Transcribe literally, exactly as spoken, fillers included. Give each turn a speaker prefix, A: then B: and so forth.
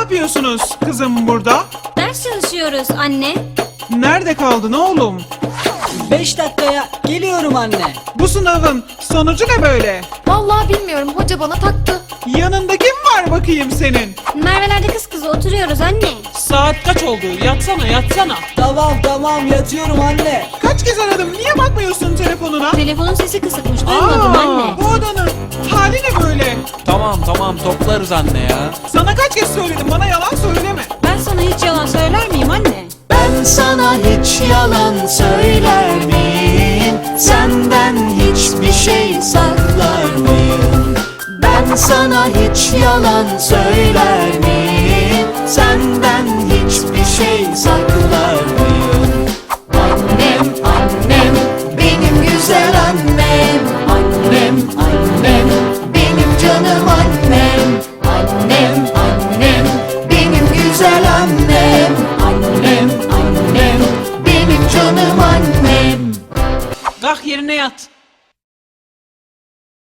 A: yapıyorsunuz kızım burada?
B: Ders çalışıyoruz anne.
A: Nerede kaldın oğlum?
C: Beş dakikaya geliyorum anne.
A: Bu sınavın sonucu ne böyle?
D: Vallahi bilmiyorum, hoca bana taktı.
A: Yanında kim var bakayım senin?
B: Merve'lerde kız kızı oturuyoruz anne.
E: Saat kaç oldu? Yatsana yatsana.
C: Tamam tamam yatıyorum anne.
A: Kaç kez aradım, niye bakmıyorsun telefonuna?
B: Telefonun sesi kısıkmış, duymadım
A: Aa,
B: anne.
A: bu odanın hali ne böyle?
E: Tamam tamam toplarız anne ya.
A: Sana kaç kez söyledim, bana yalan söyleme.
B: Ben sana hiç yalan söyler miyim anne?
F: Ben sana hiç yalan söyler miyim? Senden hiçbir şey saklar mıyım? Ben sana hiç yalan söyler miyim? Senden hiçbir şey saklar mıyım? Annem, annem, benim güzel annem. Annem, annem, benim canım annem. Annem, annem, benim güzel annem. Annem, annem, benim canım annem.
E: Kalk yerine yat.